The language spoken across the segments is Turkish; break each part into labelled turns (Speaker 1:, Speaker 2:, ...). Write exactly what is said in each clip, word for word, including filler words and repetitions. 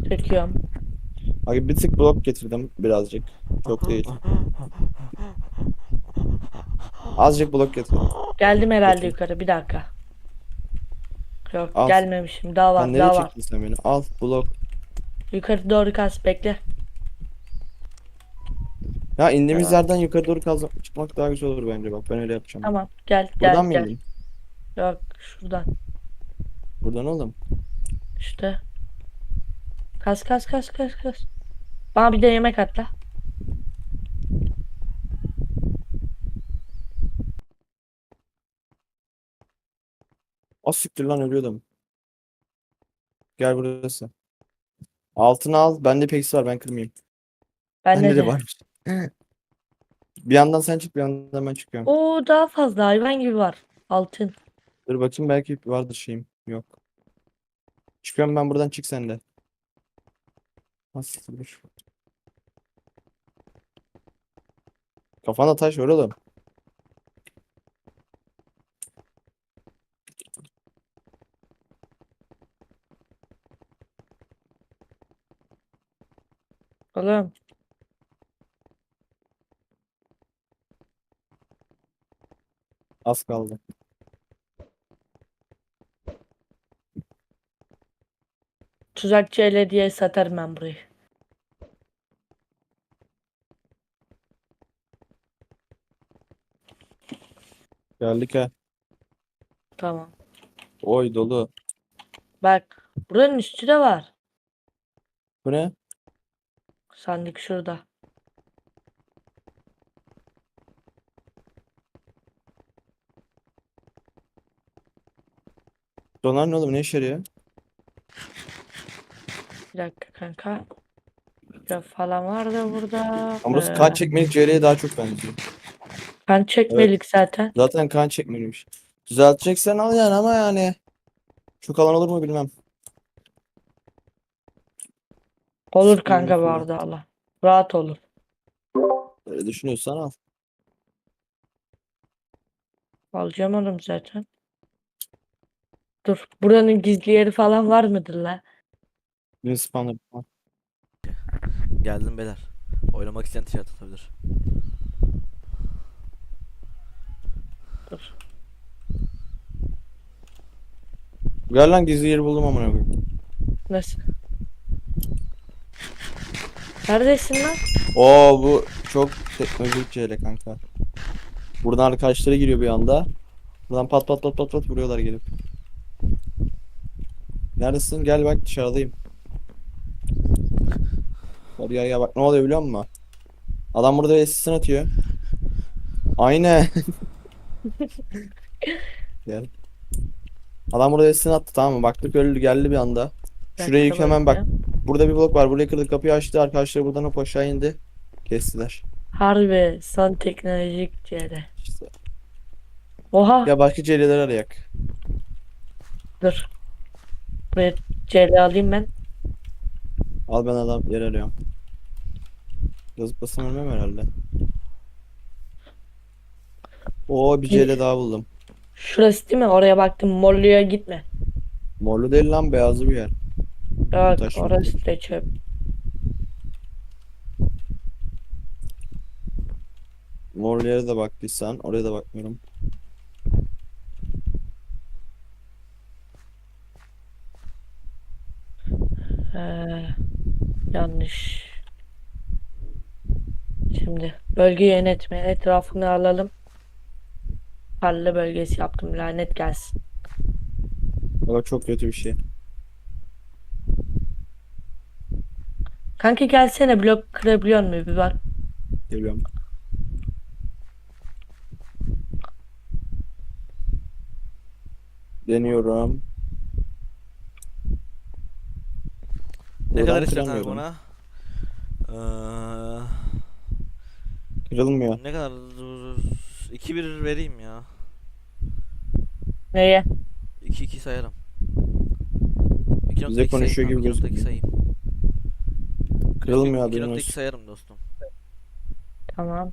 Speaker 1: Çekiyorum.
Speaker 2: Abi bir tık blok getirdim birazcık. Çok değil. Azıcık blok getirdim.
Speaker 1: Geldim herhalde
Speaker 2: Getir.
Speaker 1: yukarı. Bir dakika. Yok
Speaker 2: Al.
Speaker 1: gelmemişim. Daha
Speaker 2: Sen
Speaker 1: var
Speaker 2: nereye
Speaker 1: daha var.
Speaker 2: çektin sen beni? Al blok.
Speaker 1: Yukarı doğru kas bekle.
Speaker 2: Ya indiğimiz
Speaker 1: Tamam.
Speaker 2: yerden yukarı doğru kaz çıkmak daha güzel olur bence bak. Ben öyle yapacağım.
Speaker 1: Tamam. Gel
Speaker 2: Buradan
Speaker 1: gel
Speaker 2: mı
Speaker 1: gel.
Speaker 2: indin?
Speaker 1: Yok şuradan.
Speaker 2: Buradan oğlum.
Speaker 1: İşte. Kas kas kas kas kas. Bana bir de yemek atla.
Speaker 2: Az siktir lan ölüyordum. Gel burası. Altını al. Bende peksi var ben kırmayayım.
Speaker 1: Bende
Speaker 2: Bende de
Speaker 1: de.
Speaker 2: varmış. Bir yandan sen çık bir yandan ben çıkıyorum.
Speaker 1: Oo daha fazla hayvan gibi var. Altın.
Speaker 2: Dur bakayım belki vardır şeyim. Yok. Çıkıyorum ben buradan çık sen de. Nasıl dur. Kafana taş var oğlum.
Speaker 1: Oğlum.
Speaker 2: Az kaldı.
Speaker 1: Tuzakçı ele diye satarım ben burayı.
Speaker 2: Geldik ha.
Speaker 1: Tamam.
Speaker 2: Oy dolu.
Speaker 1: Bak. Buranın üstü de var.
Speaker 2: Bu ne?
Speaker 1: Sandık şurada.
Speaker 2: Donar ne oğlum ne işe yarıyor?
Speaker 1: Bir dakika kanka. Ya falan var da burada.
Speaker 2: Ama burası kan
Speaker 1: Ee,
Speaker 2: çekmelik C L'ye daha çok benziyor.
Speaker 1: kan
Speaker 2: Evet.
Speaker 1: çekmelik zaten.
Speaker 2: Zaten kan çekmeliymiş. Düzelteceksen al yani ama yani. Çok alan olur mu bilmem.
Speaker 1: Olur
Speaker 2: İstediğin gibi
Speaker 1: kanka bu
Speaker 2: kullan.
Speaker 1: arada Allah. Rahat olur.
Speaker 2: Öyle düşünüyorsan al.
Speaker 1: Alacağım oğlum zaten. Dur. Buranın gizli yeri falan var mıdır la?
Speaker 2: Bir spawner. Al.
Speaker 3: Geldim beyler. Oynamak isteyen tişört atabilir.
Speaker 1: Dur.
Speaker 2: Gel lan gizli yeri buldum amına koyayım.
Speaker 1: Nasıl? Neredesin lan?
Speaker 2: Oo bu çok teknolojik C L kanka. Buradan arkadaşları giriyor bir anda. Buradan pat pat pat pat pat vuruyorlar gelip. Neredesin? Gel bak dışarıdayım. Hadi ya ya bak ne oluyor biliyor musun? Adam burada assistant atıyor. Aynen. Gel. Adam burada assistant attı tamam mı? Baktık öldü geldi bir anda.
Speaker 1: Bir
Speaker 2: Şuraya
Speaker 1: dakika
Speaker 2: yük hemen bak.
Speaker 1: bakayım.
Speaker 2: Burada bir blok var. Burayı kırdık kapıyı açtı. Arkadaşlar buradan hop aşağı indi. Kestiler.
Speaker 1: Harbi son teknolojik yere.
Speaker 2: İşte.
Speaker 1: Oha.
Speaker 2: Ya başka C L'ler arayak.
Speaker 1: Dur. Buraya C L alayım ben.
Speaker 2: Al ben adam yer arıyorum. Yazıp basam ölmem herhalde. Oo bir C L daha buldum.
Speaker 1: Şurası değil mi? Oraya baktım. Morlu'ya gitme.
Speaker 2: Morlu değil lan beyazlı bir yer.
Speaker 1: Yok
Speaker 2: Taş yok.
Speaker 1: orası da çöp.
Speaker 2: Morlu yere de baktıysan oraya da bakmıyorum.
Speaker 1: Ee, yanlış. Şimdi bölge yönetme etrafını alalım. Tarla bölgesi yaptım. Lanet gelsin.
Speaker 2: Ama çok kötü bir şey.
Speaker 1: Kanka gelsene blok kırabiliyor mu bir bak.
Speaker 2: Geliyorum. Deniyorum.
Speaker 3: Ne kadar
Speaker 2: Buradan
Speaker 3: istiyorsun kanka
Speaker 2: kıramıyorum.
Speaker 3: buna? Ee,
Speaker 2: Kırılmıyor.
Speaker 3: ne kadar? iki bir vereyim ya.
Speaker 1: Neye?
Speaker 3: iki iki sayarım.
Speaker 2: Bize
Speaker 3: iki nokta iki sayayım
Speaker 2: konuşuyor
Speaker 3: tamam
Speaker 2: gibi
Speaker 3: iki nokta iki
Speaker 2: gözüküyor.
Speaker 3: sayayım.
Speaker 2: Kırılmıyor haberin
Speaker 3: iki nokta iki
Speaker 2: olsun.
Speaker 3: sayarım dostum.
Speaker 1: Tamam.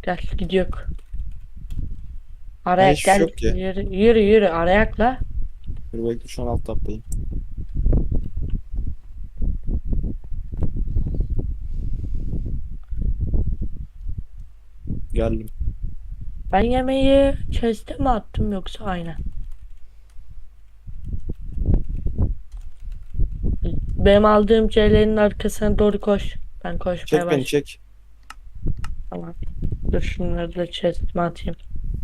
Speaker 1: Gel gidiyor.
Speaker 2: Ha,
Speaker 1: Arayak
Speaker 2: hiçbir şey
Speaker 1: gel.
Speaker 2: yok ki.
Speaker 1: Yürü yürü yürü arayakla.
Speaker 2: Dur bekle şu an alt taptayım. Geldim.
Speaker 1: Ben yemeği chest'e mi attım yoksa aynen. Benim aldığım C'lerin arkasına doğru koş. Ben koşmaya
Speaker 2: Çek beni
Speaker 1: başlayayım.
Speaker 2: çek.
Speaker 1: Tamam. Dur şunları da chest'ime atayım.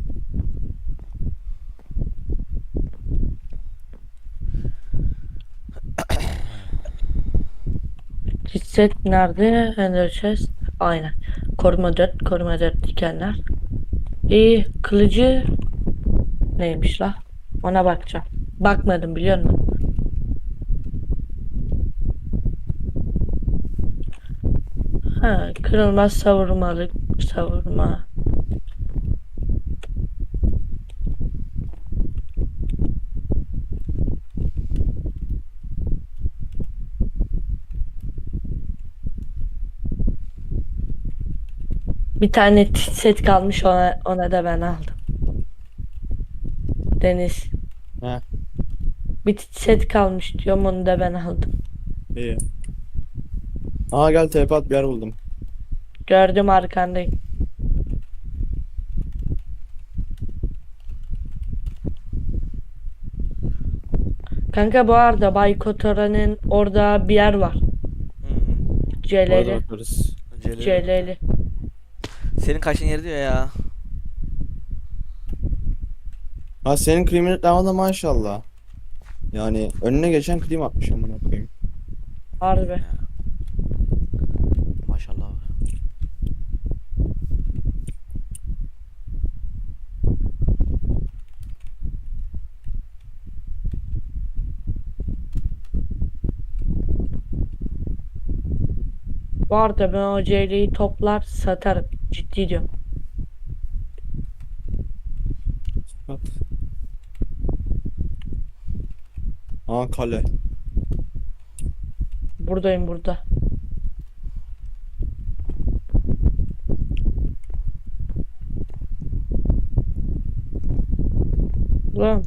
Speaker 1: Set nerede? Ender chest. Aynen. Koruma dört, koruma dört dikenler. İyi, kılıcı neymiş la? Ona bakacağım. Bakmadım biliyor musun? Ha, kırılmaz savurmalık savurma. Bir tane t- set kalmış ona ona da ben aldım. Deniz.
Speaker 2: He.
Speaker 1: Bir t- set kalmış diyorum onu da ben aldım.
Speaker 2: İyi. Aa gel T P at bir yer buldum.
Speaker 1: Gördüm arkandayım. Kanka bu arada Baykotora'nın orada bir yer var.
Speaker 3: Hı hı.
Speaker 2: Orada
Speaker 1: Celeli.
Speaker 2: bakarız.
Speaker 3: Celil.
Speaker 1: Celeli.
Speaker 3: Senin kaçın yeri diyor ya.
Speaker 2: Ha senin kriminal da maşallah. Yani önüne geçen klim atmış amına koyayım.
Speaker 1: Harbi.
Speaker 3: Ya. Maşallah var.
Speaker 1: Bu arada ben o Ceyli'yi toplar satarım. Ciddi diyorum.
Speaker 2: At. Aa kale.
Speaker 1: Buradayım burada. Lan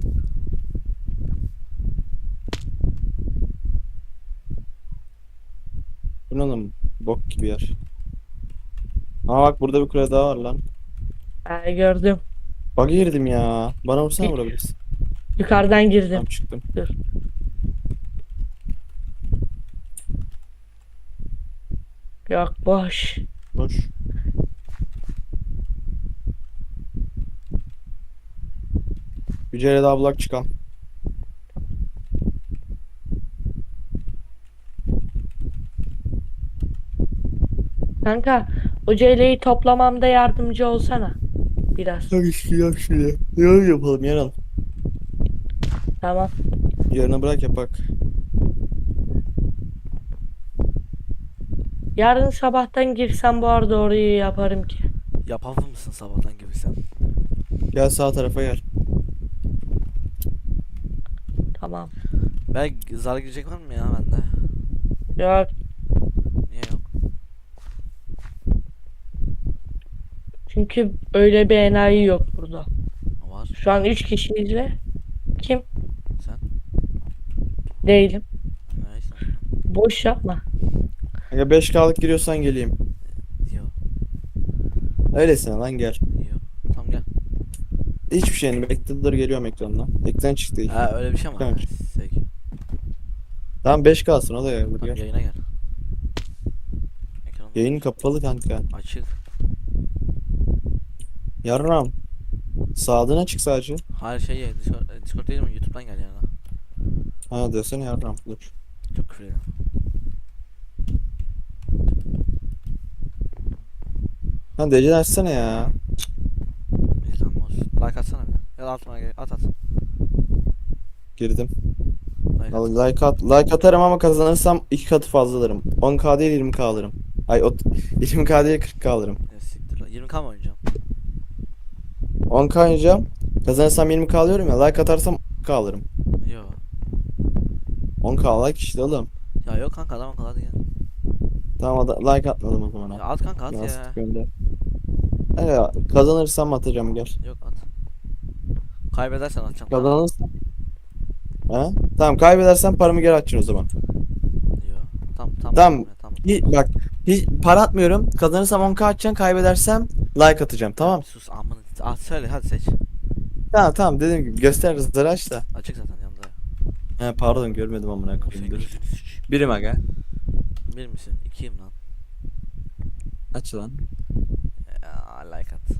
Speaker 2: Bu ne lan? Bok gibi yer. Aa bak burada bir kule daha var lan.
Speaker 1: ben gördüm.
Speaker 2: Bak girdim ya. Bana vursana
Speaker 1: Bir-
Speaker 2: vurabilirsin.
Speaker 1: Yukarıdan girdim.
Speaker 2: Tamam çıktım.
Speaker 1: Dur. Yok boş.
Speaker 2: Boş. Yüceyle daha bulak çıkan.
Speaker 1: Kanka o Ceyli'yi toplamamda yardımcı olsana. Biraz.
Speaker 2: Hadi işte yap şöyle. Yarın yapalım yarın.
Speaker 1: Tamam.
Speaker 2: Yarına bırak yapak.
Speaker 1: Yarın sabahtan girsem bu arada orayı yaparım ki.
Speaker 3: Yapamaz mısın sabahtan gibi sen?
Speaker 2: Gel sağ tarafa gel.
Speaker 1: Tamam.
Speaker 3: Ben zar girecek var mı ya bende?
Speaker 1: Yok.
Speaker 3: Niye yok?
Speaker 1: Çünkü öyle bir enayi yok burada.
Speaker 3: Var.
Speaker 1: Şu an üç kişiyiz ve kim?
Speaker 3: Sen?
Speaker 1: Değilim.
Speaker 3: Neyse.
Speaker 1: Boş yapma.
Speaker 2: Kanka beş K'lık giriyorsan geleyim.
Speaker 3: Yok.
Speaker 2: Öylesine lan gel.
Speaker 3: Yok. Tamam gel.
Speaker 2: Hiçbir şeyini bekle dur geliyorum ekrandan. Ekran çıktı.
Speaker 3: Ha öyle bir şey mi var?
Speaker 2: Tamam.
Speaker 3: Ha, Peki.
Speaker 2: Tamam beş K'sın o da gel.
Speaker 3: Tamam
Speaker 2: gel.
Speaker 3: yayına gel. Ekran
Speaker 2: Yayın kapalı kanka.
Speaker 3: açık.
Speaker 2: Yarram. Sağdığına çık sadece.
Speaker 3: Hayır şey ya, Discord, e, Discord değil mi? YouTube'dan gel yani.
Speaker 2: Ha desene yarram. Dur.
Speaker 3: Çok küfür ediyorum.
Speaker 2: Ha D C'den açsana ya.
Speaker 3: İzlenme olsun. Like atsana bir de. Ya da atma gel. At at.
Speaker 2: Girdim.
Speaker 3: Like at.
Speaker 2: Al- Like at, like atarım ama kazanırsam iki katı fazla alırım. on K değil yirmi K alırım. Ay ot yirmi K değil kırk K alırım.
Speaker 3: Ya siktir lan. yirmi K mı oynayacağım?
Speaker 2: on K oynayacağım. Kazanırsam yirmi K alıyorum ya. Like atarsam on K alırım.
Speaker 3: Yo.
Speaker 2: on K like işte oğlum.
Speaker 3: Ya yok kanka adam akıllı hadi gel.
Speaker 2: Tamam ada- like atmadım o zaman.
Speaker 3: Ya at kanka at
Speaker 2: Nasıl
Speaker 3: ya.
Speaker 2: gönder. Evet, kazanırsam atacağım gel.
Speaker 3: Yok at. Kaybedersen atacağım tamam mı?
Speaker 2: Kazanırsam. Ha? Tamam, kaybedersen paramı geri atacaksın o zaman.
Speaker 3: Yok. Tamam tamam
Speaker 2: Tamam.
Speaker 3: atmam ya tamam.
Speaker 2: Hiç, bak hiç para atmıyorum. Kazanırsam on k atacaksın. Kaybedersem like atacağım.
Speaker 3: Ya
Speaker 2: Tamam.
Speaker 3: bir sus amına. At söyle hadi seç.
Speaker 2: Tamam tamam, dediğim gibi göster hızları aç da.
Speaker 3: Açık zaten yanında.
Speaker 2: He, pardon, görmedim amına
Speaker 3: O
Speaker 2: koyayım,
Speaker 3: senin
Speaker 2: dur.
Speaker 3: gözünü sıç.
Speaker 2: Birim aga.
Speaker 3: Bir misin? İkiyim lan.
Speaker 2: Aç lan.
Speaker 3: Ya, like at.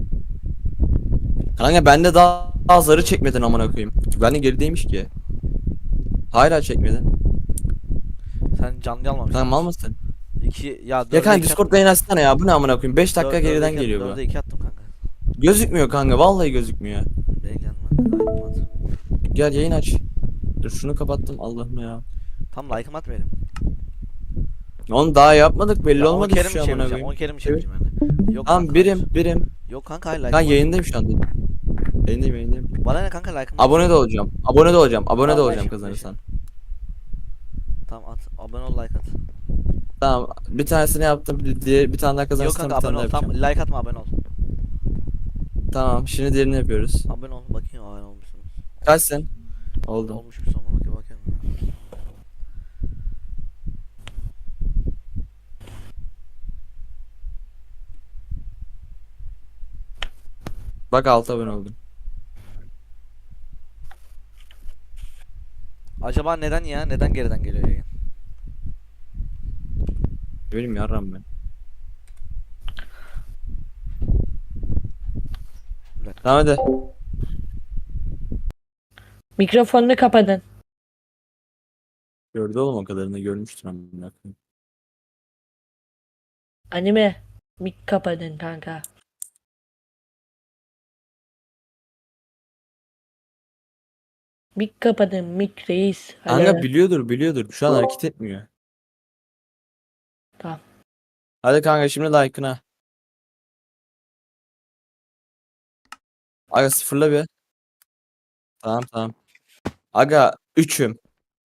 Speaker 2: Kanka bende daha, daha zarı çekmedin amına koyayım. Bende gerideymiş ki. Hala çekmedin.
Speaker 3: Sen canlı almamışsın.
Speaker 2: Kanka mal mısın?
Speaker 3: İki ya
Speaker 2: Ya
Speaker 3: dörde
Speaker 2: kanka
Speaker 3: iki
Speaker 2: Discord
Speaker 3: attım.
Speaker 2: yayın açsana ya. Bu ne amına koyayım? beş dakika
Speaker 3: Dör-
Speaker 2: geriden
Speaker 3: dörde iki
Speaker 2: geliyor
Speaker 3: attım,
Speaker 2: bu.
Speaker 3: Dörde iki attım kanka.
Speaker 2: Gözükmüyor kanka. Vallahi gözükmüyor.
Speaker 3: Beni gelmez. Like'ımı at.
Speaker 2: Gel yayın aç. Dur şunu kapattım, Allah'ım ya.
Speaker 3: Tam like'ımı at benim.
Speaker 2: Onu daha yapmadık, belli
Speaker 3: Ya on
Speaker 2: olmadı
Speaker 3: kere mi
Speaker 2: şu an amına
Speaker 3: çevireceğim? on
Speaker 2: koyayım.
Speaker 3: kere mi
Speaker 2: Evet.
Speaker 3: çevireceğim yani? Yok
Speaker 2: Tamam,
Speaker 3: kanka,
Speaker 2: birim
Speaker 3: hayır.
Speaker 2: birim.
Speaker 3: Yok kanka hayır
Speaker 2: Kanka
Speaker 3: like'ımı at.
Speaker 2: yayındayım şu anda. Yayındayım yayındayım.
Speaker 3: Bana ne kanka like'ımı at.
Speaker 2: Abone de olacağım. Abone de olacağım. Abone de
Speaker 3: Tamam,
Speaker 2: olacağım
Speaker 3: beşim,
Speaker 2: kazanırsan.
Speaker 3: Tamam at. Abone ol like at.
Speaker 2: Tamam. Bir tanesini yaptım. Bir, diğer, bir tane daha
Speaker 3: Yok
Speaker 2: kazanırsam
Speaker 3: kanka
Speaker 2: bir tane
Speaker 3: abone
Speaker 2: daha
Speaker 3: ol. Tamam
Speaker 2: yapacağım.
Speaker 3: like atma abone ol.
Speaker 2: Tamam. Şimdi diğerini yapıyoruz.
Speaker 3: Abone ol bakayım abone olmuşsunuz.
Speaker 2: Kaçsın? Oldum.
Speaker 3: Olmuş bir sonra bakayım bakayım.
Speaker 2: Bak, altı abone oldum.
Speaker 3: Acaba neden ya? Neden geriden geliyor yayın?
Speaker 2: Ne bileyim yarram ben. Tamam hadi.
Speaker 1: Mikrofonunu kapatın.
Speaker 2: Gördü oğlum, o kadarını görmüştür amına koyayım.
Speaker 1: Anime. Mik kapatın kanka. Mik kapatın. Mik reis.
Speaker 2: Kanka
Speaker 1: Alo.
Speaker 2: biliyordur biliyordur. Şu an hareket etmiyor.
Speaker 1: Tamam.
Speaker 2: Hadi kanka şimdi like'ına. Aga sıfırla bir. Tamam tamam. Aga üçüm.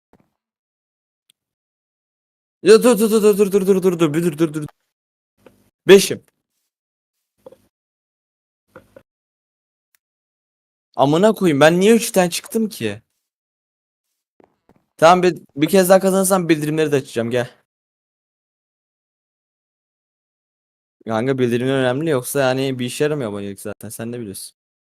Speaker 2: Ya dur dur dur dur dur dur dur dur dur bir dur dur dur. beşim. Amına koyayım, ben niye üçten çıktım ki? Tamam, bir, bir kez daha kazanırsam bildirimleri de açacağım, gel. Kanka bildirimler önemli, yoksa yani bir işe yaramıyor abonelik zaten, sen de biliyorsun.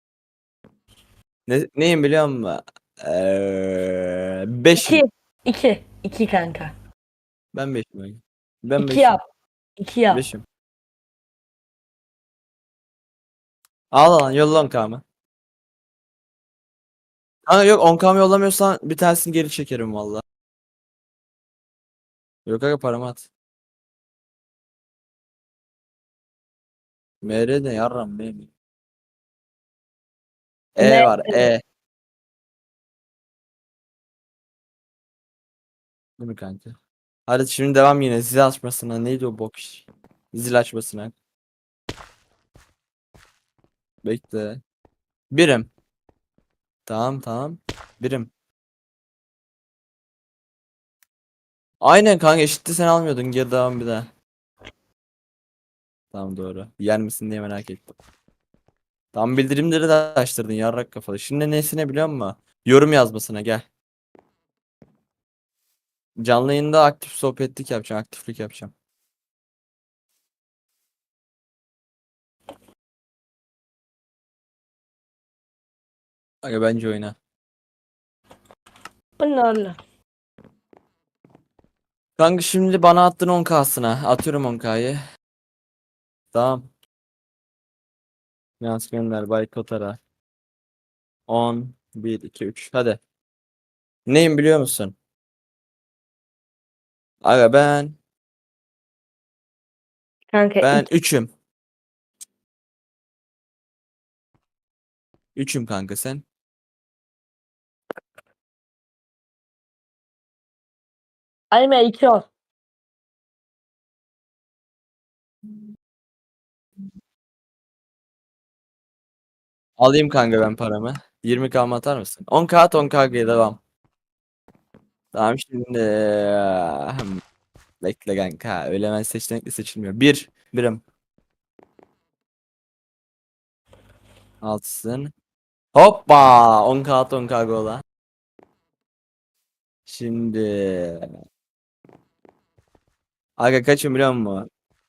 Speaker 2: Ne, neyim biliyor musun? Eee beşim.
Speaker 1: İki. İki. İki kanka.
Speaker 2: Ben beşim. Aga. Ben
Speaker 1: İki
Speaker 2: beşim.
Speaker 1: yap. İki yap.
Speaker 2: Beşim. Al lan, yolla on kamı. Kanka yok, on kamı yollamıyorsan bir tanesini geri çekerim valla. Yok aga, paramı at. M R ne yarram benim. E
Speaker 1: Ne?
Speaker 2: var E. Değil mi kanka? Hadi şimdi devam yine zil açmasına. Neydi o bok iş? Zil açmasına. Bekle. Birim. Tamam tamam. Birim. Aynen kanka, eşitti, sen almıyordun. Geri devam bir daha. Tamam doğru. Yer misin diye merak ettim. Tam bildirimleri de açtırdın yarrak kafalı. Şimdi nesine biliyor musun? Yorum yazmasına gel. Canlı yayında aktif sohbetlik yapacağım. Aktiflik yapacağım. Aga bence oyna.
Speaker 1: Bunlarla.
Speaker 2: Kanka şimdi bana attın on kasına. Atıyorum on kayı. Tamam. Yaz gönder Baykot ara. on, bir, iki, üç. Hadi. Neyim biliyor musun? Aga ben
Speaker 1: Kanka
Speaker 2: ben
Speaker 1: iki.
Speaker 2: üçüm. Üçüm kanka, sen.
Speaker 1: Anime iki ol.
Speaker 2: Alayım kanka ben paramı. yirmi k mı atar mısın? on k at, on k'ya devam. Tamam şimdi. Hmm, bekle kanka. Öyle hemen seçenekli seçilmiyor. Bir. Birim. Altısın. Hoppa. on k at on k gola. Şimdi. Aga kaçım biliyor musun?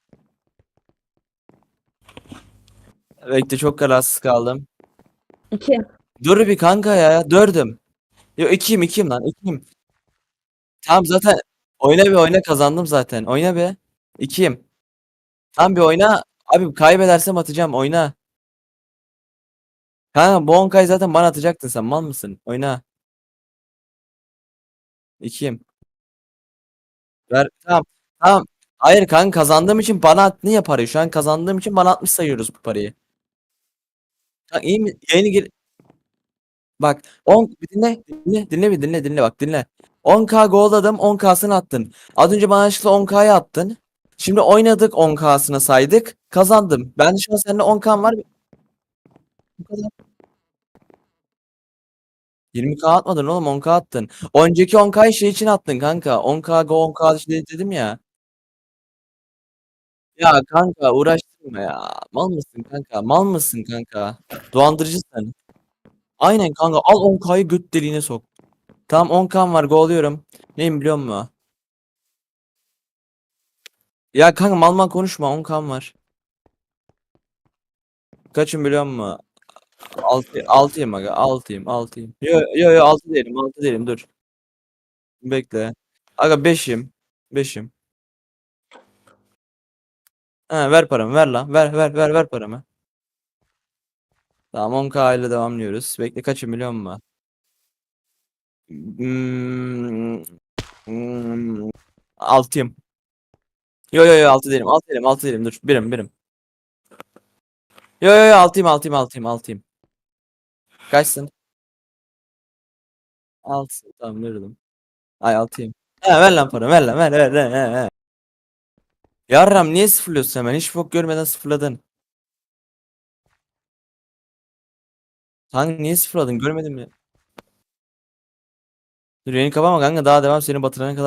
Speaker 2: Bekle çok kararsız kaldım.
Speaker 1: İki.
Speaker 2: Dur bir kanka ya. Dördüm. Yo ikiyim ikiyim lan ikiyim. Tamam zaten. Oyna bir oyna kazandım zaten. Oyna bir. İkiyim. Tamam bir oyna. Abi kaybedersem atacağım. Oyna. Kanka bu on kayı zaten bana atacaktın sen. Mal mısın? Oyna. İkiyim. Ver. Tamam. Tamam. Hayır kanka kazandığım için bana attın ya parayı. Şu an kazandığım için bana atmış sayıyoruz bu parayı. Kanka iyi mi? Yayını gir. Bak on bir dinle dinle dinle bir dinle dinle bak dinle. on k golladım on k'sını attın. Az önce bana yanlışlıkla on k'yı attın. Şimdi oynadık on k'sını saydık. Kazandım. Ben de şu an seninle on k'm var. Bu kadar. yirmi k atmadın oğlum on k attın. Önceki on k'yı şey için attın kanka. on k go on k şey dedim ya. Ya kanka uğraştırma ya. Mal mısın kanka? Mal mısın kanka? Dolandırıcısın. Aynen kanka al on k'yı göt deliğine sok. Tamam on k'm var golluyorum. Neyim biliyor musun? Ya kanka mal mal konuşma on k'm var. Kaçım biliyor musun? altı altıyım aga altıyım altıyım. Yo yo yo altı değilim altı değilim dur. Bekle. Aga beşim. beşim. Ha, ver paramı ver lan. Ver ver ver ver paramı. Tamam on k ile devamlıyoruz. Bekle kaçım biliyor musun? Hmm, hmm, altıyım. Yo yo yo altı değilim altı değilim altı değilim dur. Birim birim. Yo yo yo altıyım altıyım altıyım altıyım. Kaçsın? altı. Tamam verdim. Ay altıyım. Ha, ver lan para ver lan ver ver ver. ver, ver. Yarram niye sıfırlıyorsun hemen? Hiç bok görmeden sıfırladın. Kanka niye sıfırladın? Görmedin mi? Dur yayını kapama kanka daha devam seni batırana kadar.